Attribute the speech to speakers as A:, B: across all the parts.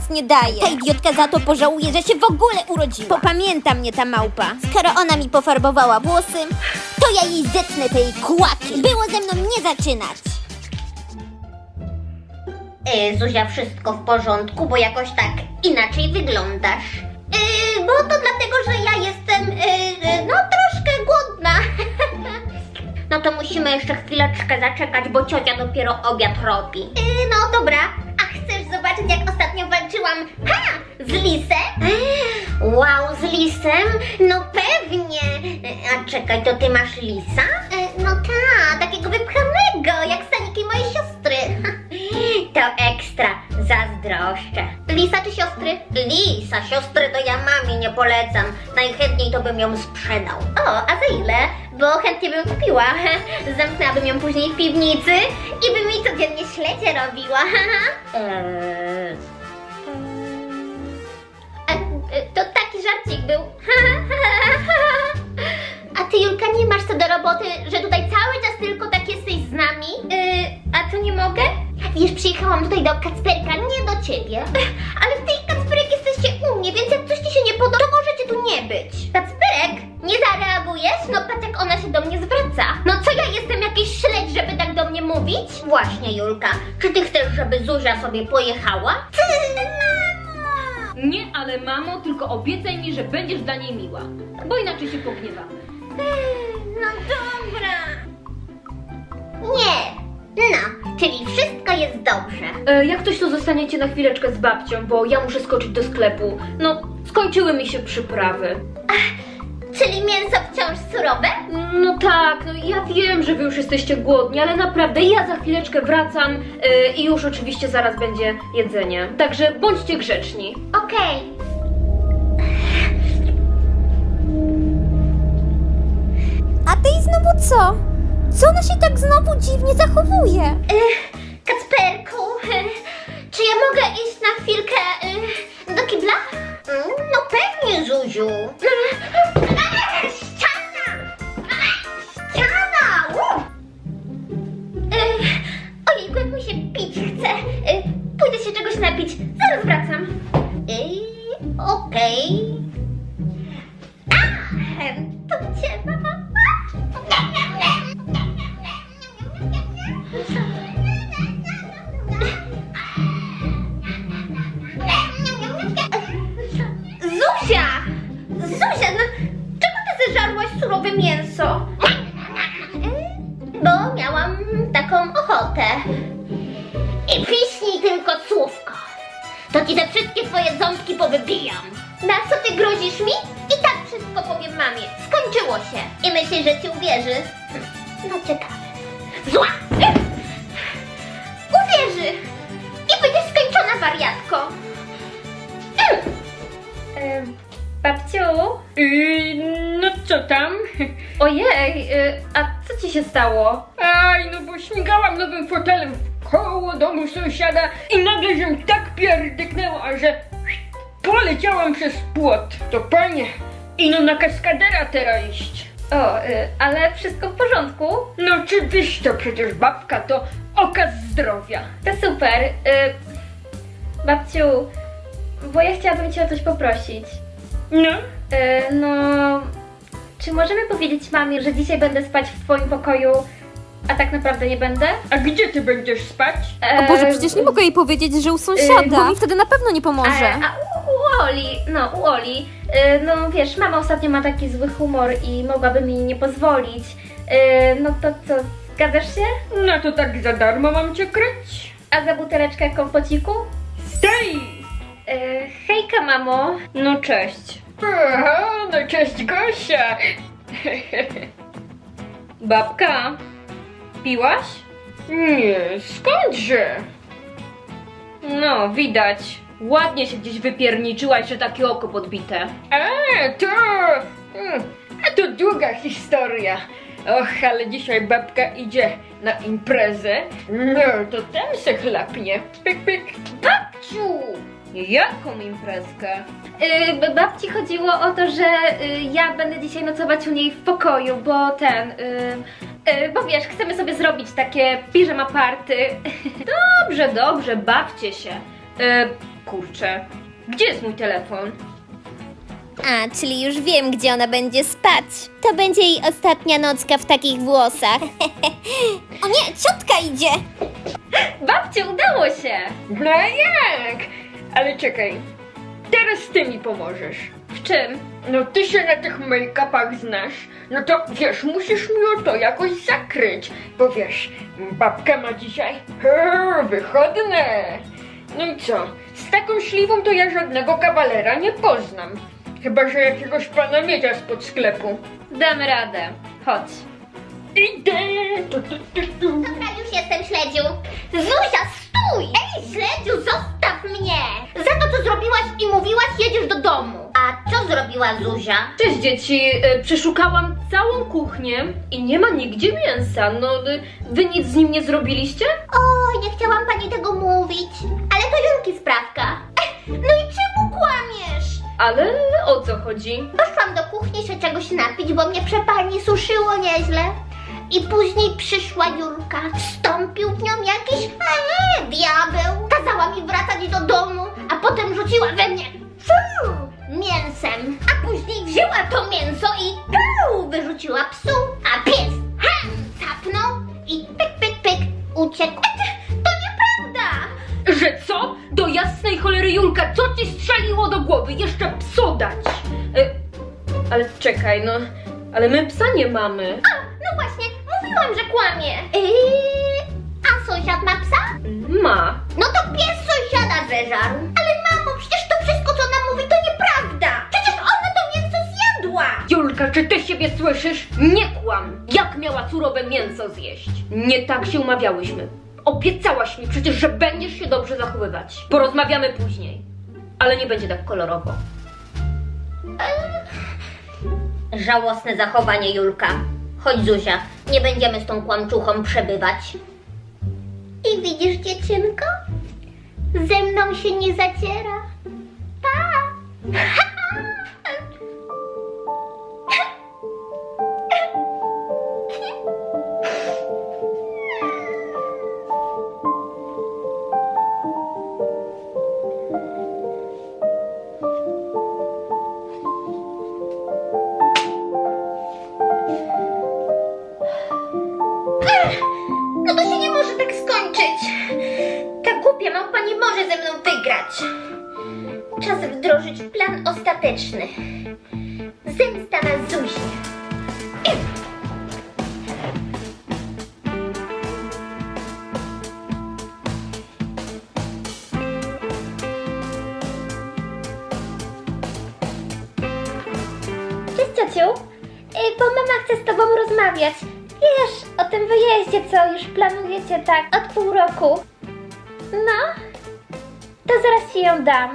A: nie daje. Ta idiotka za to pożałuje, że się w ogóle urodziła. Popamięta mnie ta małpa. Skoro ona mi pofarbowała włosy, to ja jej zetnę tej kłaki. Było ze mną nie zaczynać.
B: Zuzia, wszystko w porządku, bo jakoś tak inaczej wyglądasz. Bo to dlatego, że ja jestem, no troszkę głodna. No to musimy jeszcze chwileczkę zaczekać, bo ciocia dopiero obiad robi. No dobra, a chcesz zobaczyć, jak ostatnio walczyłam, z lisem? Wow, z lisem? No pewnie. A czekaj, to ty masz lisa? No tak, takiego wypchanego, jak staniki mojej siostry. To ekstra, zazdroszczę. Lisa czy siostry? Lisa, siostry to ja mamie nie polecam. Najchętniej to bym ją sprzedał. O, a za ile? Bo chętnie bym kupiła. Zamknęłabym ją później w piwnicy i by mi codziennie śledzie robiła. To taki żarcik był. A ty, Julka, nie masz co do roboty, że tutaj cały czas tylko tak jesteś z nami? A to nie mogę? Wiesz, przyjechałam tutaj do Kacperka, nie do ciebie. Ale w tej Kacperek jesteście u mnie, więc jak coś ci się nie podoba, to możecie tu nie być. Kacperek, nie zareagujesz? No patrz, jak ona się do mnie zwraca. No co, ja jestem jakiś śledź, żeby tak do mnie mówić? Właśnie, Julka, czy ty chcesz, żeby Zuzia sobie pojechała?
C: Nie, ale mamo, tylko obiecaj mi, że będziesz dla niej miła, bo inaczej się pogniewamy.
B: No dobra. Nie. No, czyli wszystko jest dobrze.
C: Jak coś, to zostaniecie na chwileczkę z babcią, bo ja muszę skoczyć do sklepu. No, skończyły mi się przyprawy.
B: Czyli mięso wciąż surowe?
C: No tak, no ja wiem, że wy już jesteście głodni, ale naprawdę ja za chwileczkę wracam i już oczywiście zaraz będzie jedzenie. Także bądźcie grzeczni.
B: Okej.
A: A ty i znowu co? Co ona się tak znowu dziwnie zachowuje?
B: Kacperku, czy ja mogę iść na chwilkę do kibla? No pewnie, Zuziu. Ściana! Ściana! Ojejku, jak mi się pić chce. Pójdę się czegoś napić. Zaraz wracam. Okej. To cię, mama. Zuzia! Zuzia, no czego ty zeżarłaś surowe mięso? Bo miałam taką ochotę. I piśnij tylko słówko. To ci te wszystkie twoje ząbki powybijam. Na co ty grozisz mi? I tak wszystko powiem mamie. Skończyło się. I myślisz, że ci uwierzy? No ciekawe. Zła! Uwierzy! I będziesz skończona, wariatko.
C: Babciu? No co tam? Ojej, a co ci się stało?
D: Aj, no bo śmigałam nowym fotelem koło domu sąsiada i nagle się tak pierdyknęła, że poleciałam przez płot. To panie, ino na kaskadera teraz iść.
C: O, ale wszystko w porządku?
D: No oczywiście, przecież babka to okaz zdrowia.
C: To super. Babciu, bo ja chciałabym cię o coś poprosić.
D: No,
C: No, czy możemy powiedzieć mamie, że dzisiaj będę spać w twoim pokoju, a tak naprawdę nie będę?
D: a gdzie ty będziesz spać?
A: O Boże, przecież nie mogę jej powiedzieć, że u sąsiada, bo mi wtedy na pewno nie pomoże.
C: U Oli, u Oli. No wiesz, mama ostatnio ma taki zły humor i mogłaby mi nie pozwolić. No to co, zgadzasz się?
D: No to tak za darmo mam cię kryć.
C: A za buteleczkę kompociku?
D: Stej!
C: Hejka, mamo.
D: No cześć. Aha, no cześć Gosia.
C: Babka, piłaś?
D: Nie, skądże?
C: No, widać. Ładnie się gdzieś wypierniczyłaś, że takie oko podbite.
D: A to długa historia. Och, ale dzisiaj babka idzie na imprezę. No, to tam se chlapnie. Pyk, pyk.
B: Babciu!
C: Jaką imprezkę? Babci chodziło o to, że ja będę dzisiaj nocować u niej w pokoju, bo bo wiesz, chcemy sobie zrobić takie piżama party. Dobrze, bawcie się. Kurczę, gdzie jest mój telefon?
A: A, czyli już wiem, gdzie ona będzie spać. To będzie jej ostatnia nocka w takich włosach. O nie, ciotka idzie!
C: Babciu, udało się!
D: No jak? Ale czekaj, teraz ty mi pomożesz.
C: W czym?
D: No ty się na tych make-upach znasz, no to wiesz, musisz mi to jakoś zakryć, bo wiesz, babka ma dzisiaj wychodne. No i co, z taką śliwą to ja żadnego kawalera nie poznam. Chyba że jakiegoś pana miedzia spod sklepu.
C: Damy radę. Chodź.
D: Idę!
B: Dobra, już jestem, Śledziu. Zuzia, stój! Ej, Śledziu, zostaw mnie! Za to, co zrobiłaś i mówiłaś, jedziesz do domu. A co zrobiła Zuzia?
C: Cześć dzieci, przeszukałam całą kuchnię i nie ma nigdzie mięsa. No, wy nic z nim nie zrobiliście?
B: Oj, nie chciałam pani tego mówić. Ale to Julki sprawka. No i czemu kłamiesz?
C: Ale o co chodzi?
B: Poszłam do kuchni się czegoś napić, bo mnie przepalnie suszyło nieźle. I później przyszła Julka. Wstąpił w nią jakiś diabeł. Kazała mi wracać do domu, a potem rzuciła we mnie mięsem. A później wzięła to mięso i wyrzuciła psu, a pies capnął i pyk, pyk, pyk uciekł. To nieprawda!
C: Że co? Do jasnej cholery Julka, co ci strzeliło do głowy? Jeszcze psu dać! Ale czekaj, no... Ale my psa nie mamy.
B: No właśnie, mówiłam, że kłamie. A sąsiad ma psa?
C: Ma.
B: No to pies sąsiada zeżarł. Ale mamo, przecież to wszystko, co ona mówi, to nieprawda. Przecież ona to mięso zjadła.
C: Julka, czy ty siebie słyszysz? Nie kłam! Jak miała surowe mięso zjeść? Nie tak się umawiałyśmy. Obiecałaś mi przecież, że będziesz się dobrze zachowywać. Porozmawiamy później. Ale nie będzie tak kolorowo.
B: Żałosne zachowanie, Julka. Chodź, Zuzia, nie będziemy z tą kłamczuchą przebywać. I widzisz, dziewczynko? Ze mną się nie zaciera. Pa! No to się nie może tak skończyć. Ta głupia małpa nie może ze mną wygrać. Czas wdrożyć plan ostateczny. Zemsta na Zuzi. Cześć, ciociu. Bo mama chce z tobą rozmawiać. Wiesz, o tym wyjeździe, co już planujecie tak od pół roku. No, to zaraz ci ją dam.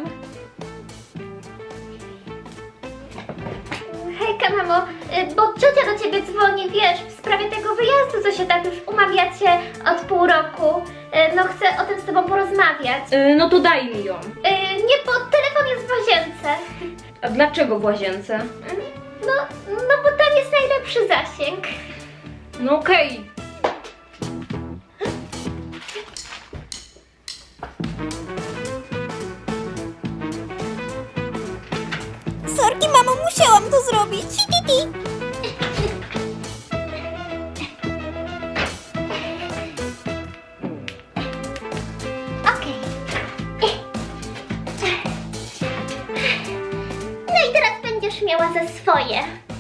B: Hejka, mamo, bo ciocia do ciebie dzwoni, wiesz, w sprawie tego wyjazdu, co się tak już umawiacie od pół roku. No, chcę o tym z tobą porozmawiać.
C: No to daj mi ją.
B: Nie, bo telefon jest w łazience.
C: A dlaczego w łazience?
B: No bo tam jest najlepszy zasięg.
C: No okej.
A: Sorki, mamo, musiałam to zrobić.
B: Okej. No i teraz będziesz miała ze swoje.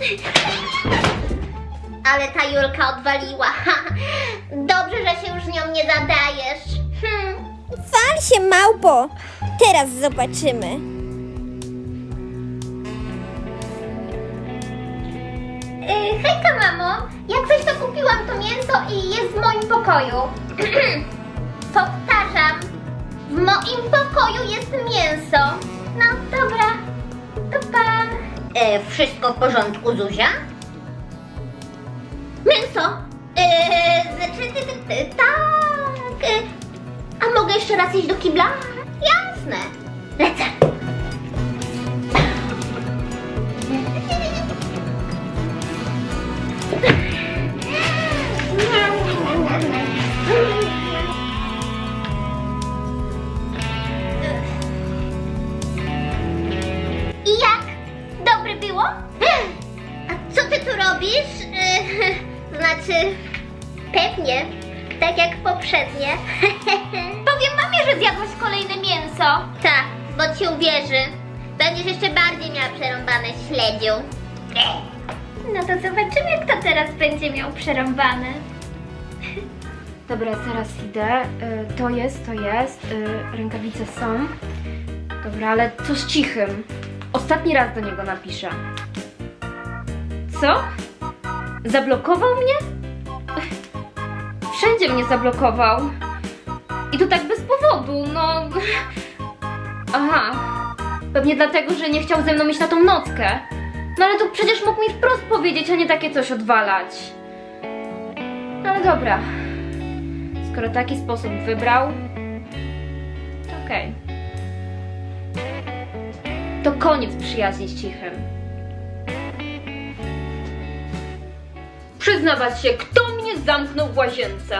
B: Ale ta Julka odwaliła. Dobrze, że się już nią nie zadajesz.
A: Wal się, małpo. Teraz zobaczymy.
B: Hejka, mamo. Jak coś to kupiłam to mięso i jest w moim pokoju. Powtarzam. W moim pokoju jest mięso. No dobra. To pa. Wszystko w porządku, Zuzia? Mięso? Tak. A mogę jeszcze raz iść do kibla? Jasne. Lecę. Znaczy, pewnie, tak jak poprzednie.
A: Powiem mamie, że zjadłaś kolejne mięso.
B: Tak, bo ci uwierzy. Będziesz jeszcze bardziej miała przerąbane śledziu.
A: No to zobaczymy, kto teraz będzie miał przerąbane.
C: Dobra, zaraz idę. To jest. Rękawice są. Dobra, ale co z Cichym? Ostatni raz do niego napiszę. Co? Zablokował mnie? Wszędzie mnie zablokował. I to tak bez powodu, no... Aha. Pewnie dlatego, że nie chciał ze mną iść na tą nockę. No ale to przecież mógł mi wprost powiedzieć, a nie takie coś odwalać. No ale dobra. Skoro taki sposób wybrał, to okej. To koniec przyjaźni z Cichym. Przyznawać się, kto mnie zamknął w łazience?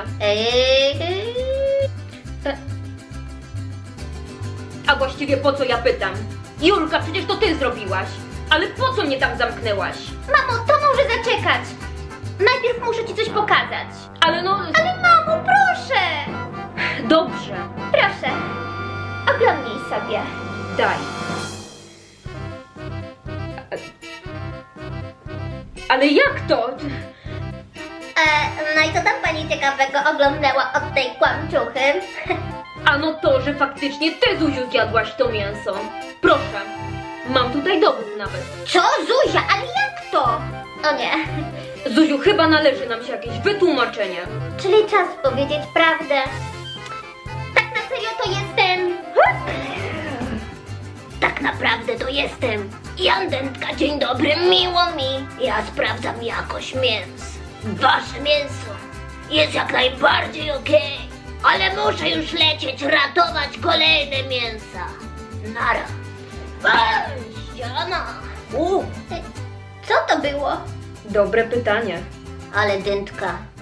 C: A właściwie po co ja pytam? Julka, przecież to ty zrobiłaś. Ale po co mnie tam zamknęłaś?
A: Mamo, to może zaczekać. Najpierw muszę ci coś pokazać.
C: Ale no...
A: Ale mamo, proszę!
C: Dobrze,
A: Proszę, oglądnij sobie.
C: daj. Ale jak to?
B: No i co tam pani ciekawego oglądała od tej kłamczuchy?
C: Ano to, że faktycznie ty, Zuziu, zjadłaś to mięso. Proszę, mam tutaj dowód nawet.
B: Co, Zuzia? Ale jak to? O nie.
C: Zuziu, chyba należy nam się jakieś wytłumaczenie.
B: Czyli czas powiedzieć prawdę. Tak na serio to jestem... Tak naprawdę to jestem Jan Dętka, dzień dobry, miło mi. Ja sprawdzam jakość mięs. Wasze mięso jest jak najbardziej okej, ale muszę już lecieć ratować kolejne mięsa. Nara. Ściana.
A: Co to było?
C: Dobre pytanie.
B: Ale Dętka,